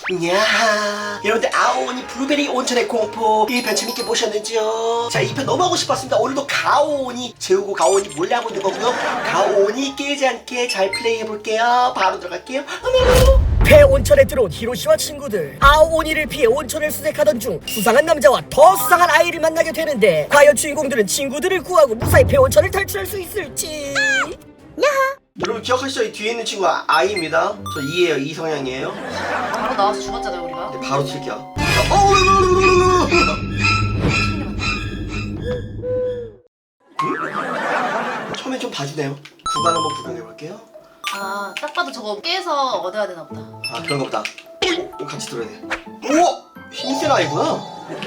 야, 여러분들 아오니 블루베리 온천의 공포 1편 재밌게 보셨는지요? 자, 2편 너무 하고 싶었습니다. 오늘도 가오니 재우고 가오니 몰래 하고 있는 거고요. 가오니 깨지 않게 잘 플레이 해볼게요. 바로 들어갈게요. 폐 온천에 들어온 히로시와 친구들. 아오니를 피해 온천을 수색하던 중 수상한 남자와 더 수상한 아이를 만나게 되는데 과연 주인공들은 친구들을 구하고 무사히 폐 온천을 탈출할 수 있을지. 여러분 기억하시죠? 이 뒤에 있는 친구가 아이입니다. 저 이예요. 이 성향이에요. 바로 나와서 죽었잖아요 우리가. 네, 바로 칠게요. 처음엔 좀 봐주네요. 구간 한번 구경해볼게요. 아, 딱 봐도 저거 깨서 얻어야 되나 보다. 아, 그런가 보다. 이거 같이 들어야 돼. 오! 힘센 아이구나.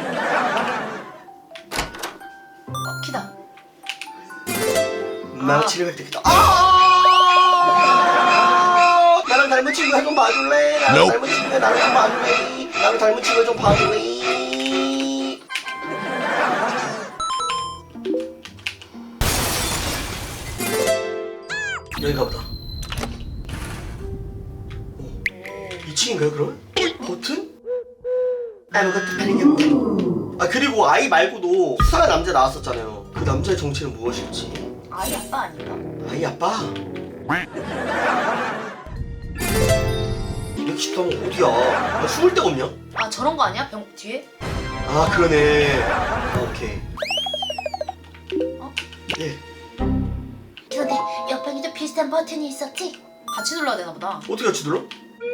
키다. 1700대기다. 나랑 닮은 친구야 좀 봐줄래? 나랑 닮은 친구야 나를 좀 봐줄래? 나랑 닮은 친구야 좀 봐줄래? 여기가 보다. 2층인가요 그럼? 버튼? 아무것도 팔리게 없네. 아 그리고 아이 말고도 수상한 남자 나왔었잖아요. 그 남자의 정체는 무엇일지. 아이 아빠 아닌가? 아이 아빠? 멕시코 하면 어디야? 나 숨을 데가 없냐? 아 저런 거 아니야? 병 뒤에? 아 그러네. 아, 오케이. 어? 예. 근데 옆방에도 비슷한 버튼이 있었지? 같이 눌러야 되나 보다. 어떻게 같이 눌러?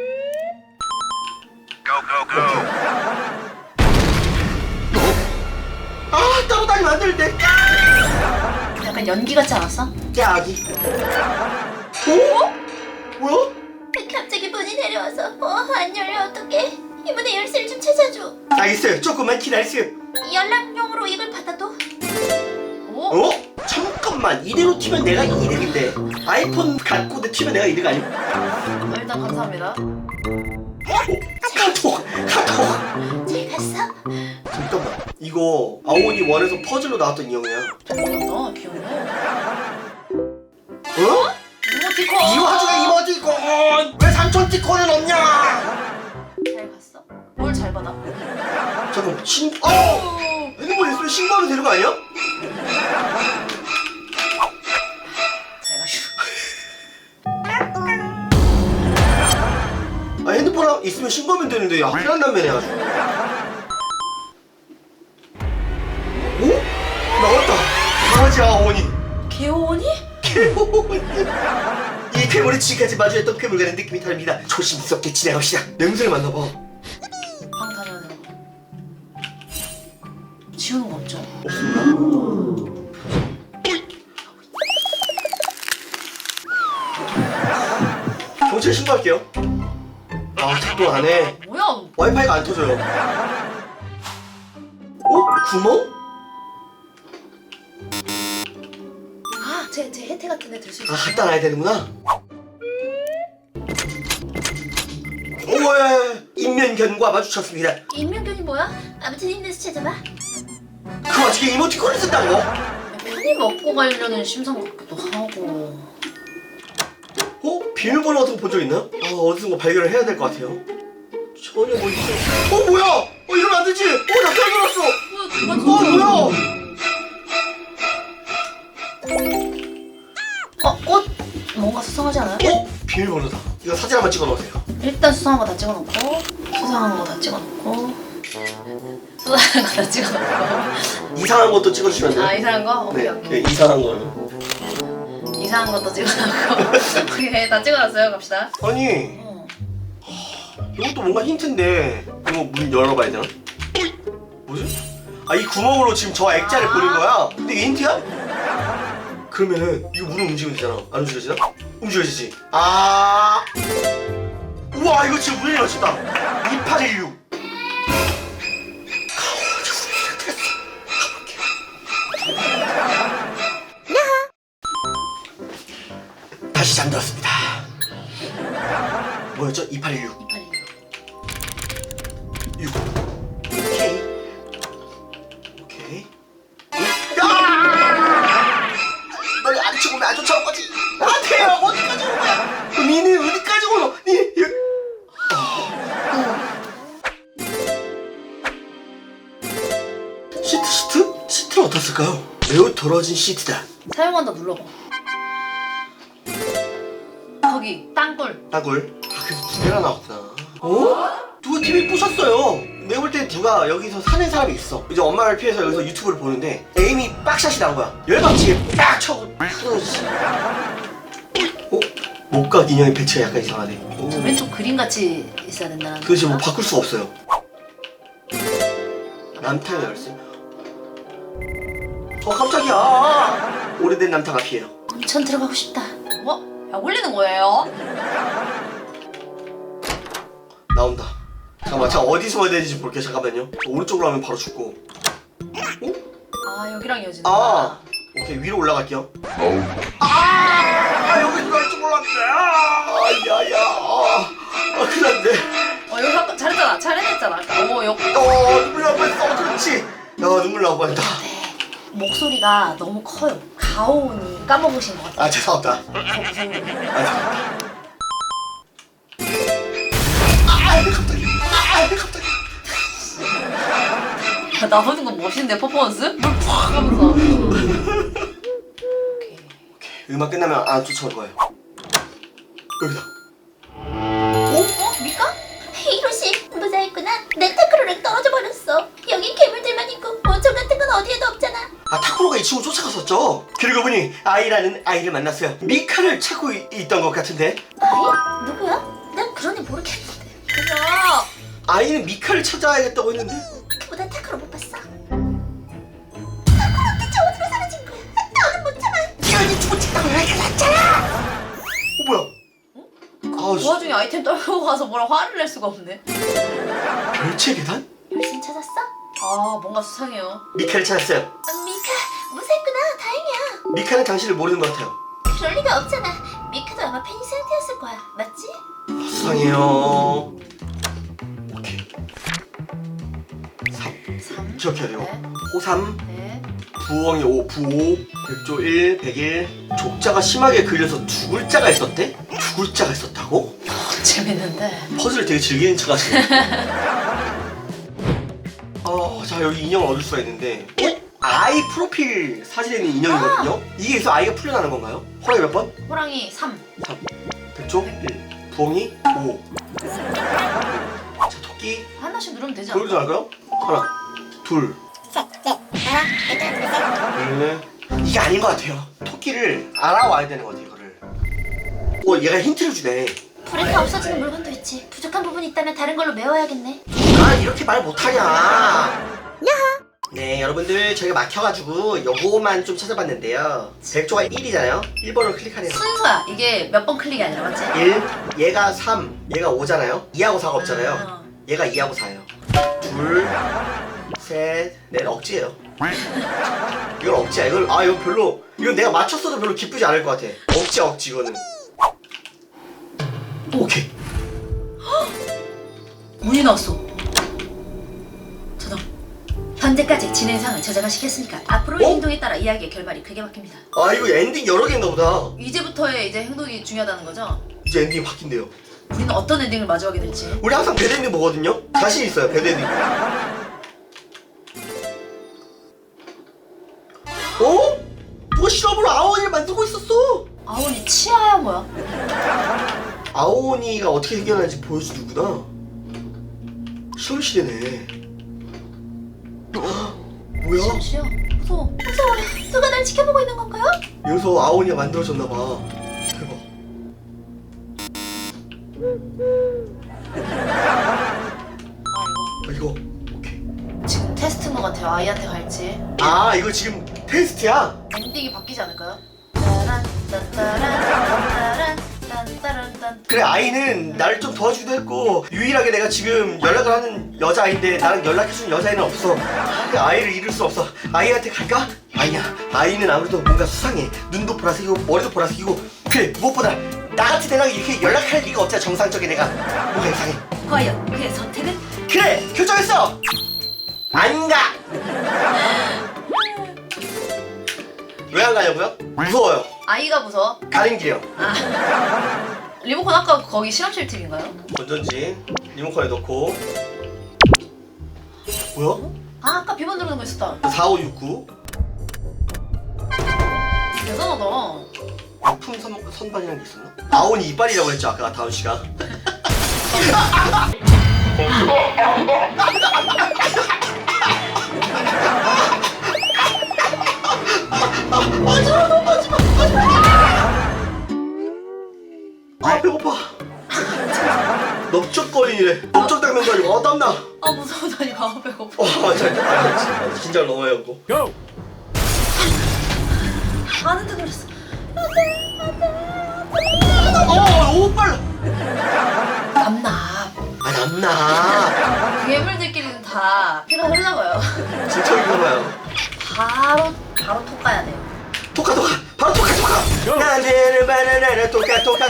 아 따로 다니면 안 되는데. 약간 연기 같지 않았어? 짝이. 어? 뭐야? 갑자기 문이 내려와서 안 열려. 어떡해. 이 문의 열쇠를 좀 찾아줘. 알겠어요. 조금만 기다리세요. 연락용으로 이걸 받아도. 오? 어? 잠깐만 이대로 튀면 내가 이득인데 아이폰 갖고 튀면 내가 이득 아니야? 일단 감사합니다. 카톡! 잘 갔어? 잠깐만 이거 아오니 원에서 퍼즐로 나왔던 인형이야. 귀엽다. 귀엽네. 어? 이모티콘! 이 와중에 이모티콘! 왜 삼촌티콘은 없냐? 잘 갔어? 뭘 잘 받아? 잠깐만 핸드폰 있으면 신고하면 되는 거 아니야? 잘 가시오. 아 핸드폰 있으면 신고하면 되는데 야 큰일 난다며네 아주. 오? 나왔다. 강아지 아오니. 개오니? 괴물. 이 괴물이 지금까지 마주했던 괴물과는 느낌이 다릅니다. 조심스럽게 진행합시다. 냄새를 맡나봐. 방 다녀야 되는 거. 지우는 거 없죠? 없습니다. 경찰 신고할게요. 아 작동 안 해. 뭐야? 와이파이가 안 터져요. 어? 구멍? 아, 제 혜택 같은 데 들 수 있어. 아 갖다 놔야 되는구나. 오야 인면견과 마주쳤습니다. 인명견이 뭐야? 아무튼 힘내서 찾아봐. 그 와중에 이모티콘을 쓴다고? 편히 먹고 가려는 심상 같기도 하고. 어? 비밀번호 같은 거 본 적 있나요? 아 어디선가 발견을 해야 될 것 같아요. 전혀 뭐 있어. 뭐야? 이러면 안 되지. 나 떨어졌어. 뭐야? 꽃? 뭔가 수상하지 않아요? 비밀번호다. 이거 사진 한번 찍어 놓으세요. 일단 수상한 거 다 찍어놓고, 수상한 거 다 찍어놓고, 수상한 거 다 찍어놓고. 이상한 것도 찍어주시면 돼요. 아, 이상한 거? 오케이, 네, 오케이. 네, 이상한 거는. 이상한 것도 찍어놓고. 오케이, 다 찍어놨어요. 갑시다. 아니 이것도 뭔가 힌트인데 이거 문 열어봐야 되나? 뭐지? 아 이 구멍으로 지금 저 액자를 보는 거야? 근데 이게 힌트야? 그러면은 이거 문은 움직이면 되잖아. 안 움직여지나? 움직여지지. 아 우와 이거 지금 문이 열렸다. 2816 다시 잠들었습니다. 뭐였죠? 2816 286. 6 오케이 야! 널 안 치고 안 쫓아올 거지? 아 대박 어디까지 온 거야? 니는 어디까지 오노? 니 탔을까요? 매우 더러워진 시트다. 사용한다 눌러봐. 거기 땅굴. 땅굴. 아, 그래서 두 개나 나왔구나. 어? 누가 TV 부셨어요. 내가 볼 때 누가 여기서 사는 사람이 있어. 이제 엄마를 피해서 여기서 유튜브를 보는데 에임이 빡샷이 난 거야. 열받치게 빡 쳐고 부러졌지. 어? 목각 인형의 배치가 약간 이상하네. 오. 저 왼쪽 그림같이 있어야 된다는 그거 지금 뭐 건가? 바꿀 수가 없어요. 남탕 열쇠. 깜짝이야. 오래된 남탕 앞이에요. 온천 들어가고 싶다. 어? 약 올리는 거예요? 나온다. 잠깐만, 제가 어디 숨어야 되는지 볼게요. 잠깐만요. 저 오른쪽으로 하면 바로 죽고. 어? 아 여기랑 이어지는 아, 거야. 오케이, 위로 올라갈게요. 아, 여기 들어갈 줄 몰랐네. 야야. 큰일 났네. 여기 아까 잘했잖아. 잘해냈잖아. 여기. 눈물 나고 했어. 그렇지. 야, 눈물 나고 했다. 목소리가 너무 커요. 가오니 까먹으신 것 같아요. 아, 죄송합니다. 저 무서워요. 갑자기. 갑자기. 나오는 건 멋있는데 퍼포먼스? 물팍 하면서. 오케이. 음악 끝나면 안 쫓아올 거예요. 여기다. 미카? 히로시 무사했구나. 내 타크로랑 떨어져 버렸어. 여긴 괴물들만 있고 온천 같은 건 어디에도 없잖아. 아, 타쿠로가 이 친구 쫓아갔었죠. 그러고 보니 아이라는 아이를 만났어요. 미카를 찾고 있던 것 같은데. 아이? 누구야? 난 그런 애 모르겠는데. 그냥 아이는 미카를 찾아야겠다고 했는데. 그보다 타크로 못 봤어. 타크로 대체 어디로 사라진 거야? 더는 못 참아. 기현이 주고 찍다고 이렇게 났잖아. 뭐야? 아, 그 와중에 아이템 떨고 가서 뭐라 화를 낼 수가 없네. 별채 계단? 열쇠 찾았어? 아 뭔가 수상해요. 미카를 찾았어요. 미카 무사했구나. 다행이야. 미카는 당신을 모르는 것 같아요. 그럴 리가 없잖아. 미카도 아마 패닉 상태였을 거야. 맞지? 아, 수상해요. 오케이. 3. 3. 기억해야 돼요. 네. 호삼, 네. 부엉이 5, 부호, 백조 1, 101. 족자가 심하게 그려서 두 글자가 있었대? 두 글자가 있었다고? 재밌는데. 퍼즐을 되게 즐기는 척 하시네. 자, 여기 인형을 얻을 수가 있는데. 아이 프로필 사진에 있는 인형이거든요? 이게 그래서 아이가 풀려나는 건가요? 호랑이 몇 번? 호랑이 3. 3. 백조 1. 부엉이 5. 자, 토끼. 하나씩 누르면 되지 않아? 보여주지 않을까요? 하나, 둘, 넷. 이게 아닌 것 같아요. 토끼를 알아와야 되는 것 같아요, 이거를. 얘가 힌트를 주네. 불에 타 없어지는 물건도 있지. 부족한 부분이 있다면 다른 걸로 메워야겠네. 아, 이렇게 말 못하냐. 네, 여러분들 저희가 막혀가지고 요거만 좀 찾아봤는데요. 백조가 1이잖아요. 1번을 클릭하래요. 순서야. 이게 몇 번 클릭이 아니라 맞지? 1, 얘가 3, 얘가 5잖아요. 2하고 4가 없잖아요. 아. 얘가 2하고 4예요. 둘, 셋, 넷. 억지예요. 이건 억지야. 이건 별로, 이건 내가 맞췄어도 별로 기쁘지 않을 것 같아. 억지 이거는. 오케이. 문이 나왔어. 저장. 현재까지 진행상을 저장을 시켰으니까 앞으로의 행동에 따라 이야기의 결말이 크게 바뀝니다. 이거 엔딩 여러 개인가 보다. 이제부터의 이제 행동이 중요하다는 거죠? 이제 엔딩이 바뀐대요. 우리는 어떤 엔딩을 마주하게 될지. 우리 항상 배드 엔딩 보거든요. 자신 있어요, 배드 엔딩. 누가 실험으로 아오니를 만들고 있었어. 아오니 치아야 뭐야? 아오니가 어떻게 생겨나는지 보여주는구나. 실험실이네. 뭐야? 치아. 무서워. 무서워. 누가 날 지켜보고 있는 건가요? 여기서 아오니가 만들어졌나봐. 대박. 이거 오케이. 지금 테스트인 것 같아요. 아이한테 갈지. 이거 지금 테스트야? 엔딩이 바뀌지 않을까요? 따란 딴따란 딴따란 딴. 그래, 아이는 나를 좀 도와주기도 했고 유일하게 내가 지금 연락을 하는 여자아이인데 나랑 연락해주는 여자아이는 없어. 근데 아이를 잃을 수 없어. 아이한테 갈까? 아니야. 아이는 아무래도 뭔가 수상해. 눈도 보라색이고 머리도 보라색이고. 그래, 무엇보다 나 같은 애랑 이렇게 연락할 리가 없잖아. 정상적인 애가. 뭔가 이상해. 과연 그의 선택은? 그래, 결정했어. 안 가. 왜 안 가냐고요? 무서워요. 아이가 무서워. 가는 길이요. 리모컨 아까 거기 실험실 팁인가요? 건전지 리모컨에 넣고. 뭐야? 아까 비번 누르는 거 있었다. 4569. 대단하다. 아픈 선반이라는 게 있었나? 아온이 이빨이라고 했죠 아까 다운 씨가. 아 배고파. 넓적거리네. 넓적 닦는 거 아니고 땀나. 아 무서워다니까. 아 배고파. 긴장 너무 해갖고. 아는데 놀랐어. 너무 빨라. 남나. 아 남나. 괴물들끼리는 다 피가 흐르나봐요. 진척인가봐요. 바로 톡 가야 돼요. 토카 바로 토카 나는 바나나나 토카 나나나나나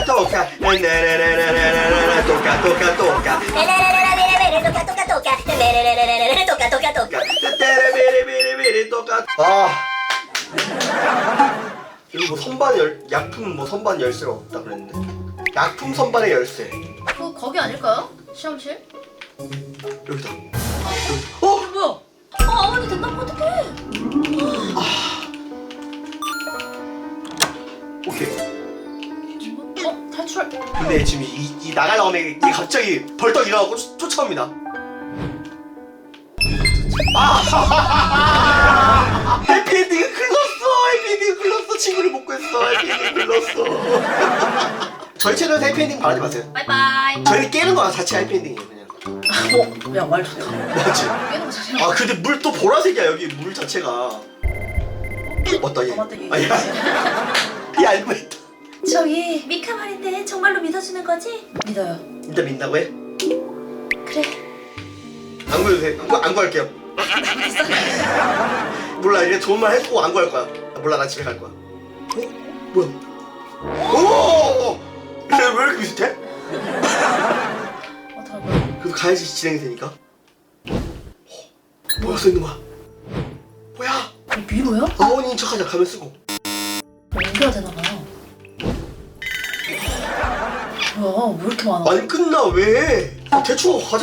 토카 베레베레베레 토카. 여기 뭐 선반 약품 뭐 선반 열쇠가 없다 그랬는데 약품 선반의 열쇠 거기 아닐까요? 시험실? 여기다. 뭐야? 아버님 된다면 어떡해? 오케이. 탈출. 근데 지금 이 나가려고 하면 이게 갑자기 벌떡 일어나고 쫓아옵니다. 해피엔딩을 글렀어. 해피엔딩을 글렀어. 친구를 못 구했어. 해피엔딩 글렀어. 저희 채널에서 해피엔딩 바라지 마세요. 바이바이. 저희는 깨는 거야 자체 해피엔딩이에요 그냥. 야 말 좋다. 맞지? 깨는 거 잘해. 아 근데 물 또 보라색이야 여기 물 자체가. 맞다 얘. 맞다, 얘. 얘 알고 있다. 저기 미카 말인데 정말로 믿어주는 거지? 믿어요. 일단 믿는다고 해? 그래. 안 구해도 돼. 안 구할게요. 몰라 이제 좋은 말 해주고 안 구할 거야. 몰라 나 집에 갈 거야. 뭐야? 오! 왜 이렇게 비슷해? 어떡할 그래도 가야지 진행이 되니까. 뭐가 써 있는 거야? 뭐야? 거야? 미로요? 아원인 척하자 가면 쓰고. 옮겨야 되나 봐요. 뭐야? 왜 이렇게 많아? 안 끝나 왜? 대충 가자.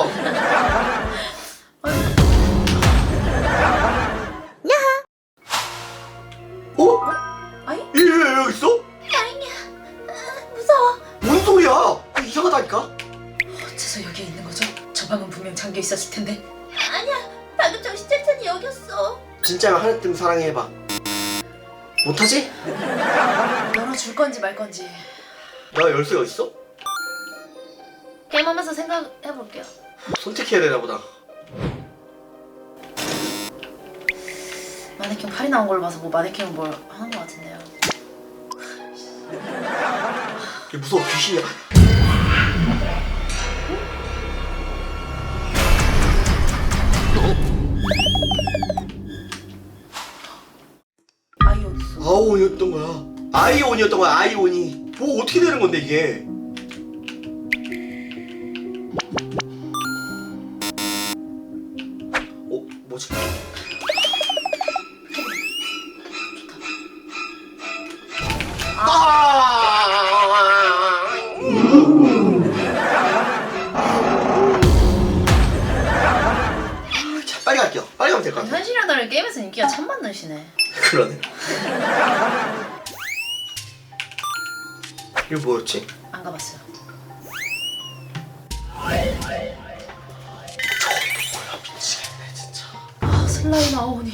어? 아이? 얘 여기 있어? 다행이야. 무서워. 뭔 소리야? 이상하다니까? 어째서 여기에 있는 거죠? 저 방은 분명 잠겨 있었을 텐데. 아니야. 방금 정신 차렸더니 여기였어. 진짜면 하늘 뜨면 사랑해 해봐. 못하지? 열어줄 건지 말 건지. 나 열쇠가 있어? 게임하면서 생각해볼게요. 선택해야 되나 보다. 마네킹 팔이 나온 걸 봐서 뭐 마네킹은 뭘 하는 것 같은데요. 얘 무서워 귀신이야. 아이 어딨어? 아오온이었던 거야. 아이온이었던 거야. 아이온이. 뭐 어떻게 되는 건데 이게? 뭐지? 자, 빨리 갈게요. 빨리 가면 될 것 같아. 현실이랑 다른 게임에서 인기가 참 많으시네. 그러네. 이거 뭐였지? 안 가봤어요. 미치겠네 진짜. 아 슬라임 아오니.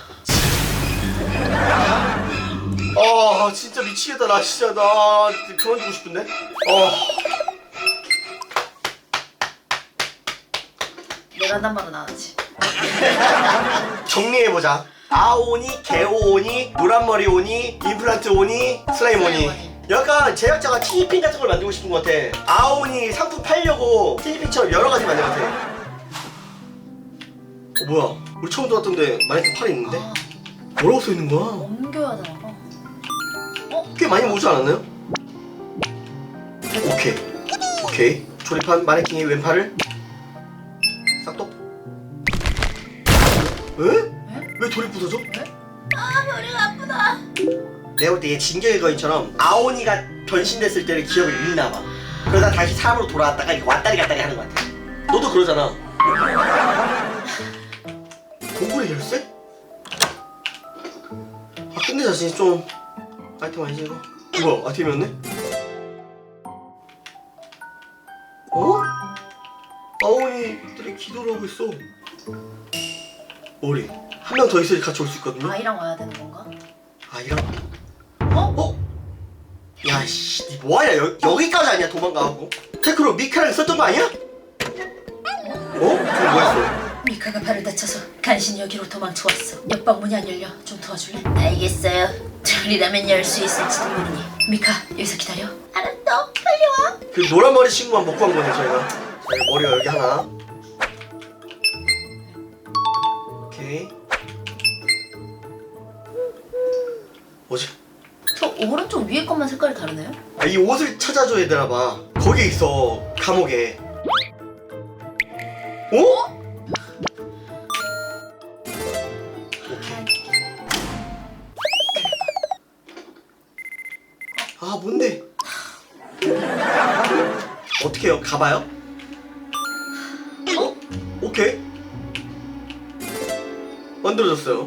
아 진짜 미치겠다. 나 진짜 나 그만두고 싶은데. 내가 한단 말은 안 하지. 정리해보자. 아오니, 개오오니, 노란머리 오니, 임플란트 오니, 슬라임 오니. 약간 제작자가 티니핑 같은 걸 만들고 싶은 것 같아. 아오니 상품 팔려고 티니핑처럼 여러 가지 만든 것 같아. 뭐야? 우리 처음 들어왔던데 마네킹 팔이 있는데? 아, 뭐라고 써 있는 거야? 옮겨야 되나 봐. 꽤 많이 모으지 않았나요? 오케이. 오케이. 조립한 마네킹의 왼팔을 싹둑. 에? 왜 돌이 부서져? 아, 머리가 아프다. 내가 볼 때 얘 진격의 거인처럼 아오니가 변신됐을 때를 기억을 잃나 봐. 그러다 다시 사람으로 돌아왔다가 이렇게 왔다리 갔다리 하는 것 같아. 너도 그러잖아. 동굴의 열쇠? 아 근데 자신이 좀 아이템 아니지 이거? 뭐야 아이템이었네? 어? 아오니들이 기도를 하고 있어. 머리 한 명 더 있어야지 같이 올 수 있거든요? 아이랑 와야 되는 건가? 아이랑? 어? 어? 야씨 니 뭐하냐 여기까지 아니야 도망가고 테크로 미카랑 썼던 거 아니야? 어? 지금 뭐했어? 미카가 발을 다쳐서 간신히 여기로 도망쳐 왔어. 옆방 문이 안 열려. 좀 도와줄래? 알겠어요. 둘이라면 열 수 있을지도 모르니. 미카 여기서 기다려. 알았어. 빨리 와. 그 노란 머리 친구만 못 구한 거네 저희가. 자, 머리가 여기 하나. 오케이. 뭐지? 저 오른쪽 위에 것만 색깔이 다르네요? 아, 이 옷을 찾아줘 얘들아 봐. 거기 있어 감옥에. 어? 아 뭔데? 어떻게 해요? 가봐요? 어? 오케이 만들어졌어요.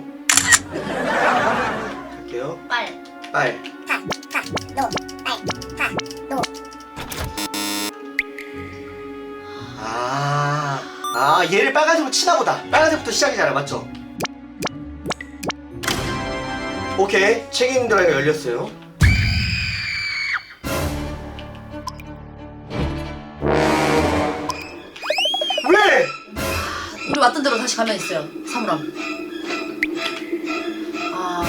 갈게요. 빨. 빨. 얘를 빨간색으로 치나 보다. 빨간색부터 시작이잖아 맞죠? 오케이 책임 드라이가 열렸어요. 왜? 우리 왔던 대로 다시 가면 있어요. 사물함. 아,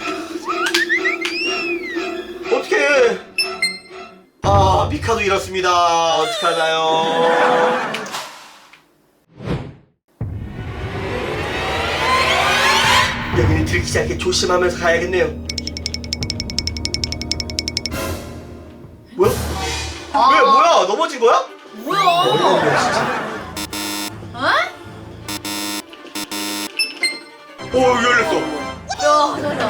어떡해. 아 미카도 이렇습니다. 어떡하나요? 여기는 들키지 않게 조심하면서 가야겠네요. 뭐야? 왜 뭐야? 넘어진 거야? 뭐야? 어이가 없네 진짜. 어? 오 여기 열렸어. 야, 잘한다.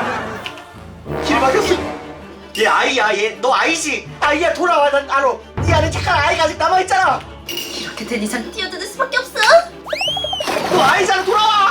길 막혔어. 얘 아이야 얘. 너 아이지? 아이야 돌아와 난 알아. 네 안에 착한 아이가 아직 남아있잖아. 이렇게 된 이상 뛰어드는 수밖에 없어. 너 아이잖아 돌아와.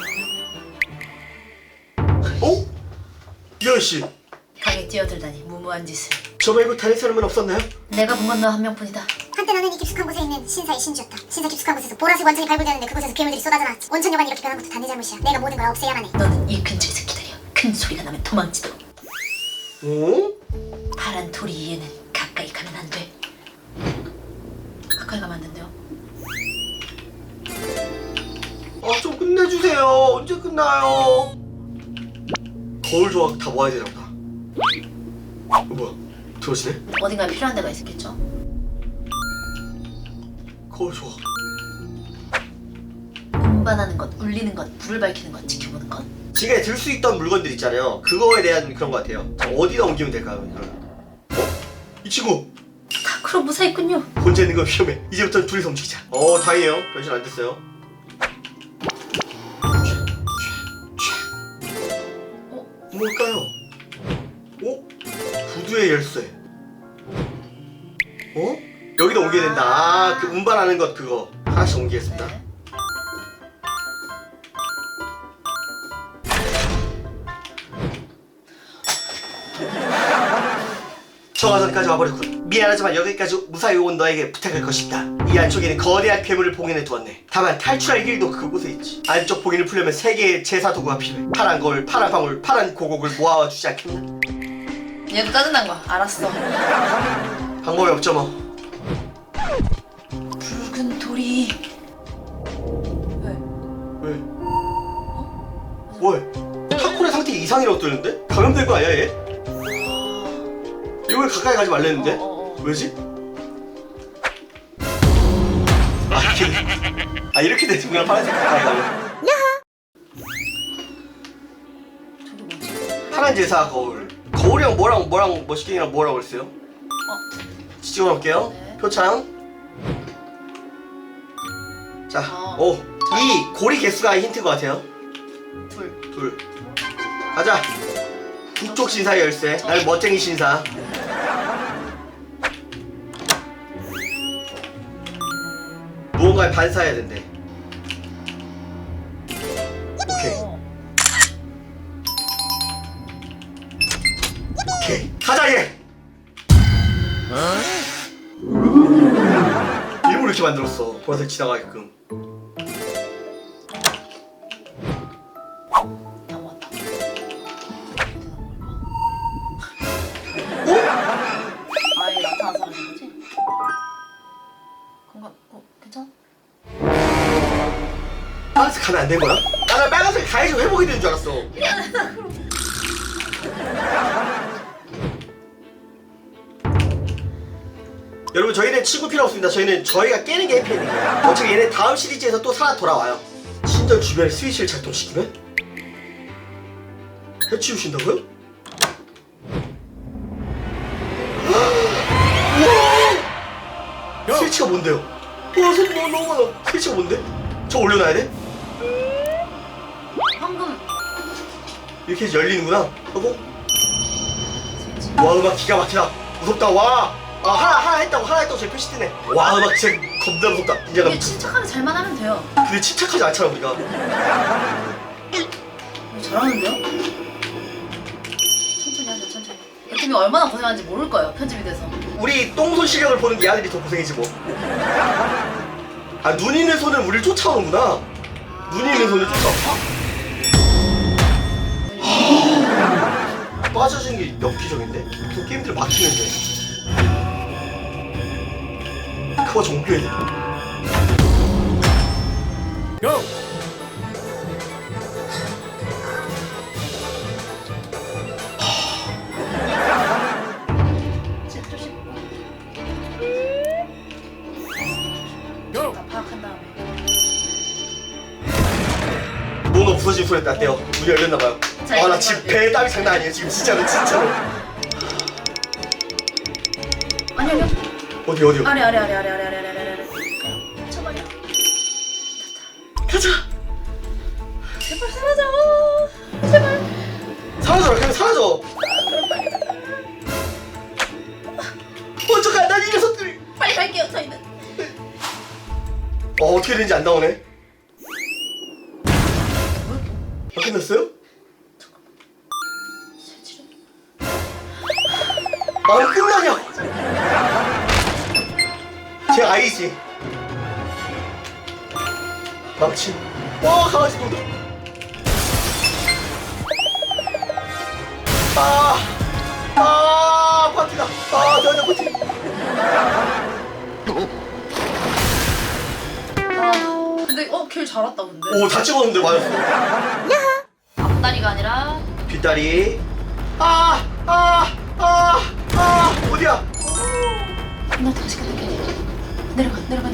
어? 이현씨 강에 뛰어들다니 무모한 짓을. 저 말고 다른 사람은 없었나요? 내가 본 건 너 한 명뿐이다. 한때 나는 이 깊숙한 곳에 있는 신사의 신주였다. 신사 깊숙한 곳에서 보라색 원천이 발굴되었는데 그곳에서 괴물들이 쏟아져 나왔지. 원천 여관이 이렇게 변한 것도 다 내 잘못이야. 내가 모든 걸 없애야만 해. 너는 이 근처에서 기다려. 큰 소리가 나면 도망치도록. 어? 파란 돌이 이에는 가까이 가면 안 돼. 가까이 가면 안 된대요. 아 좀 끝내주세요. 언제 끝나요? 거울 조각 다 모아야 되나 보다. 뭐야? 들어오시네? 어딘가에 필요한 데가 있겠죠? 거울 조각. 운반하는 것, 울리는 것, 불을 밝히는 것, 지켜보는 것. 지금 들 수 있던 물건들 있잖아요. 그거에 대한 그런 것 같아요. 자, 어디다 옮기면 될까요? 이 친구 다크로 무사했군요. 혼자 있는 거 위험해. 이제부터 둘이서 움직이자. 다행이에요. 변신 안 됐어요. 뭘까요? 구두의 열쇠. 여기다 옮겨야 된다. 그 운반하는 것 그거 하나씩 옮기겠습니다. 네. 저화선까지 와버렸군. 미안하지만 여기까지 무사히 온 너에게 부탁할 것이 있다. 이 안쪽에는 거대한 괴물을 봉인해 두었네. 다만 탈출할 길도 그곳에 있지. 안쪽 봉인을 풀려면 세 개의 제사 도구가 필요해. 파란 거울, 파란 방울, 파란 고곡을 모아와 주지 않겠나? 얘도 짜증난 거야. 알았어. 방법이 없죠 뭐. 붉은 돌이. 왜? 왜? 왜? 타코의 상태 이상이라고 뜨는데? 감염된 거 아니야 얘? 이걸 가까이 가지 말랬는데? 왜지? 이렇게 되는구나 파란색 가까이 가면. 저게 뭐지? 파란 제사 거울. 거울이랑 뭐랑 머시갱이랑 뭐라고 그랬어요? 찍어 놓을게요. 네. 표창. 자, 이 고리 개수가 힌트인 것 같아요. 둘. 가자. 북쪽 신사 열쇠. 나는 멋쟁이 신사. 무언가에 반사해야 된대. 오케이. 가자 얘. 일부러 이렇게 만들었어. 보라색 지나가게끔. 다 모았다. 아예 나타난 사람인 거지? 건강, 괜찮아? 빨간색 가면 안 된 거야? 나는 빨간색 가야지 회복이 되는 줄 알았어. 여러분 저희는 친구 필요 없습니다. 저희는 저희가 깨는 게 해피엔딩이에요. 어차피 얘네 다음 시리즈에서 또 살아 돌아와요. 신전 주변에 스위치를 작동시키면 해치우신다고요? 우와! 스위치가 뭔데요? 와 손 너무 많아. 스위치가 뭔데? 저 올려놔야 돼? 황금 이렇게 해서 열리는구나 하고. 와 음악 기가 막히다. 무섭다. 와 하나 했다고 저기 표시 뜨네. 와 음악 진짜 겁나 무섭다. 진짜 이게 침착하게 잘만 하면 돼요. 근데 침착하지 않잖아 우리가. 잘하는데요? 천천히 하자 천천히. 이 팀이 얼마나 고생하는지 모를 거예요 편집이 돼서. 우리 똥손 실력을 보는 이 아들이 더 고생이지 뭐. 아 눈 있는 손은 우리를 쫓아오는구나. 눈 있는 손을 쫓아와. 빠져진 게 엽기적인데? 그 게임들 막히는데. 그거 정교해. 조심. 다 파악한 다음에. 뭔가 부서진 소리 났대요. 문이 열렸나봐요. 잘 아 나 열린 지금 것 같아요. 배에 땀이 장난 아니에요 지금. 진짜로. 아니요. 어디요? 아래. 쳐버려. 가자. 제발 사라져. 제발. 사라져라. 그냥 사라져. 먼저 가. 난 이 녀석들이. 빨리 갈게요 저희는. 어떻게 되는지 안 나오네. 안 끝났어요? 안 끝나냐? 제 아이지. 망치. 와 강아지 돈다. 파티다. 대단한 파티. 근데 길 잘 왔다 근데. 오 다 찍었는데 맞았어. 앞다리가 아니라 뒷다리. 어디야? 나 다시 갈게. 내려가.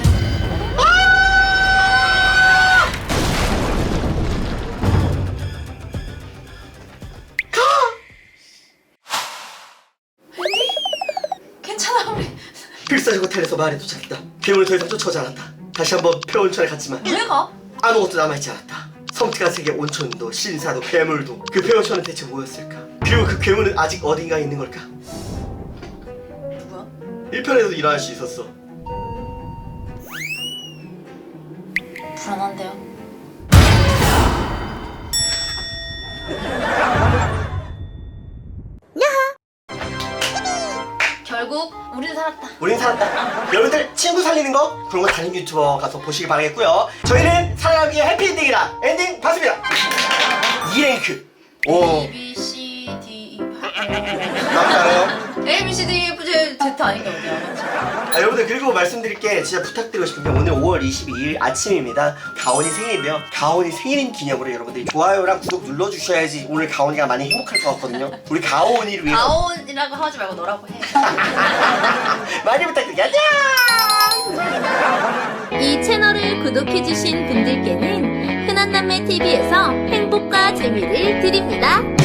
앤디? 괜찮아 우리. 필사적 호텔에서 마을에 도착했다. 괴물을 더 이상 쫓아오지 않았다. 다시 한번 폐온천에 갔지만 왜 가? 아무것도 남아있지 않았다. 섬뜩한 세계 온천도 신사도 괴물도. 그 폐온천은 대체 뭐였을까? 그리고 그 괴물은 아직 어딘가에 있는 걸까? 누구야? 1편에도 일어날 수 있었어. 불안한데요. 결국 우리는 살았다. 우린 살았다. 여러분들 친구 살리는 거 그런 거 다른 유튜버 가서 보시길 바라겠고요. 저희는 살아남기의 해피엔딩이다. 엔딩 봤습니다. 2랭크. 오. A B C D E 나쁘지 않아요? A B C D E F G Z 아닌가 보네요. 여러분들 그리고 말씀드릴게 진짜 부탁드리고 싶은 게 오늘 5월 22일 아침입니다. 가온이 생일인데요. 가온이 생일인 기념으로 여러분들이 좋아요랑 구독 눌러주셔야지 오늘 가온이가 많이 행복할 것 같거든요. 우리 가온이를 위해서 가온이라고 하지 말고 너라고 해. 많이 부탁드릴게요. 안녕. 이 채널을 구독해주신 분들께는 흔한남매TV에서 행복과 재미를 드립니다.